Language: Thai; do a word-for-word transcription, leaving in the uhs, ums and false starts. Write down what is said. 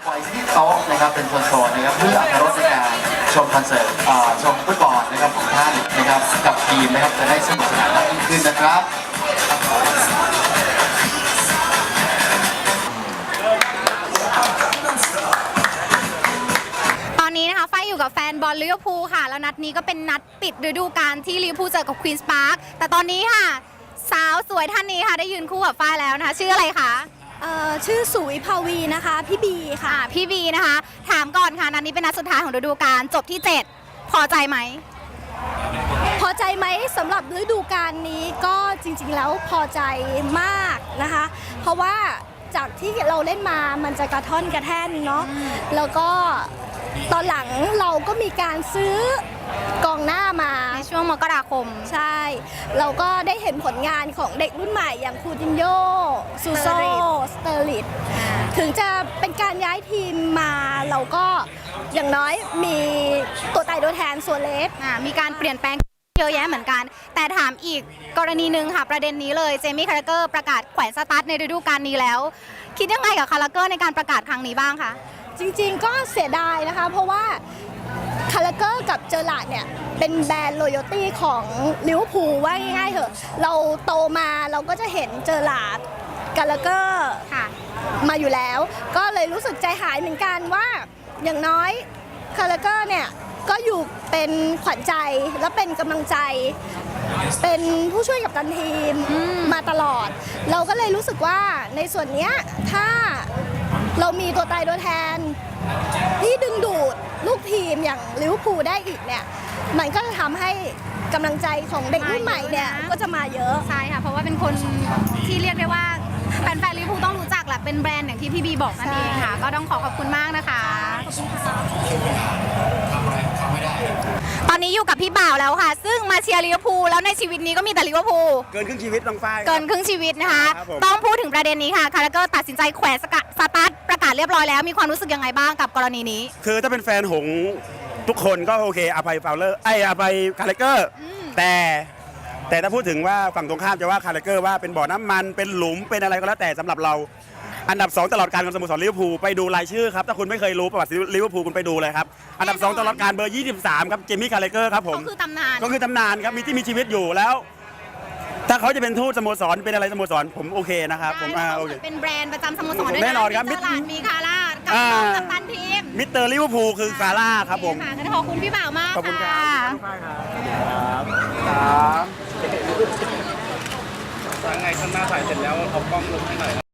ไว้ที่โต๊ะนะครับเป็นโซนๆนะครับเพื่ออรรถรสในการชมคอนเสิร์ตชมฟุตบอลนะครับของท่านนะครับกับทีมนะครับจะได้สนุกสนานมากยิ่งขึ้นนะครับตอนนี้นะคะไฟอยู่กับแฟนบอลลิเวอร์พูลค่ะแล้วนัดนี้ก็เป็นนัดปิดฤดูกาลที่ลิเวอร์พูลเจอกับควีนส์พาร์คแต่ตอนนี้ค่ะสาวสวยท่านนี้ค่ะได้ยืนคู่กับฝ้ายแล้วนะคะชื่ออะไรคะเอ่อชื่อสุวิภาวีนะคะพี่บีค่ะพี่บีนะคะถามก่อนค่ะนัดนี้เป็นนัดสุดท้ายของฤดูกาลจบที่เจ็ดพอใจไหมพอใจไหมสำหรับฤดูกาลนี้ก็จริงๆแล้วพอใจมากนะคะเพราะว่าจากที่เราเล่นมามันจะกระท่อนกระแท่นเนาะแล้วก็ตอนหลังเราก็มีการซื้อกองหน้ามาในช่วงมกราคมใช่เราก็ได้เห็นผลงานของเด็กรุ่นใหม่อย่างคูตินโญ่ซูโซสเตอร์ลิตถึงจะเป็นการย้ายทีมมาเราก็อย่างน้อยมีตัวตายตัวแทนส่วนเล็กมีการเปลี่ยนแปลงเยอะแยะเหมือนกันแต่ถามอีกกรณีหนึ่งค่ะประเด็นนี้เลยเจมี่คาราเกอร์ประกาศแขวนสตาร์ทในฤดูกาลนี้แล้วคิดยังไงกับคาราเกอร์ในการประกาศครั้งนี้บ้างคะจริงๆก็เสียดายนะคะเพราะว่าคาราเกอร์กับเจอร์ลาดเนี่ยเป็นแบรนด์โรยัลตี้ของลิเวอร์พูลว่าง่ายๆเถอะเราโตมาเราก็จะเห็นเจอร์ลาดคาราเกอร์มาอยู่แล้วก็เลยรู้สึกใจหายเหมือนกันว่าอย่างน้อยคาราเกอร์เนี่ยก็อยู่เป็นขวัญใจและเป็นกำลังใจเป็นผู้ช่วยกัปตันทีมมาตลอดเราก็เลยรู้สึกว่าในส่วนนี้ถ้าเรามีตัวตายตัวแทนที่ดึงดูดลูกทีมอย่างลิเวอร์พูลได้อีกเนี่ยมันก็จะทำให้กำลังใจของเด็กรุ่นใหม่เนี่ยก็จะมาเยอะใช่ค่ะเพราะว่าเป็นคนที่เรียกได้ว่าแฟนๆลิเวอร์พูลต้องรู้จักแหละเป็นแบรนด์อย่างที่พี่บีบอกนั่นเองค่ะก็ต้องขอขอบคุณมากนะคะตอนนี้อยู่กับพี่บ่าวแล้วค่ะซึ่งมาเชียร์ลิเวอร์พูลแล้วในชีวิตนี้ก็มีแต่ลิเวอร์พูลเกินครึ่งชีวิตน้องฝ้ายเกินครึ่งชีวิตนะคะต้องพูดถึงประเด็นนี้ค่ะคาราเกอร์ตัดสินใจแขวนสตาร์ทประกาศเรียบร้อยแล้วมีความรู้สึกยังไงบ้างกับกรณีนี้คือถ้าเป็นแฟนหงทุกคนก็โอเคอภัยฟาวเลอร์ไออภัยคาราเกอร์แต่แต่ถ้าพูดถึงว่าฝั่งตรงข้ามจะว่าคาราเกอร์ว่าเป็นบ่อน้ำมันเป็นหลุมเป็นอะไรก็แล้วแต่สำหรับเราอันดับสองตลอดการของสโมสรลิเวอร์พูลไปดูรายชื่อครับถ้าคุณไม่เคยรู้ประวัติลิเวอร์พูลคุณไปดูเลยครับอันดับสองตลอดการเบอร์ยี่สิบสามครับเจมี่คาราเกอร์ครับผมก็คือตำนานก็คือตำนานครับมีที่มีชีวิตอยู่แล้วถ้าเขาจะเป็นทูตสโมสรเป็นอะไรสโมสรผมโอเคนะครับผมอ่าโอเคเป็นแบรนด์ประจำสโมสรด้วยแน่นอนครับมีตลาดมีคาร่ากับกัปตันทีมมิสเตอร์ลิเวอร์พูลคือคาร่าครับผมขอบคุณพี่บ่าวมากขอบคุณครับครับครับยังไงข้างหน้าถ่ายเสร็จแล้วเอากล้องลงให้หน่อย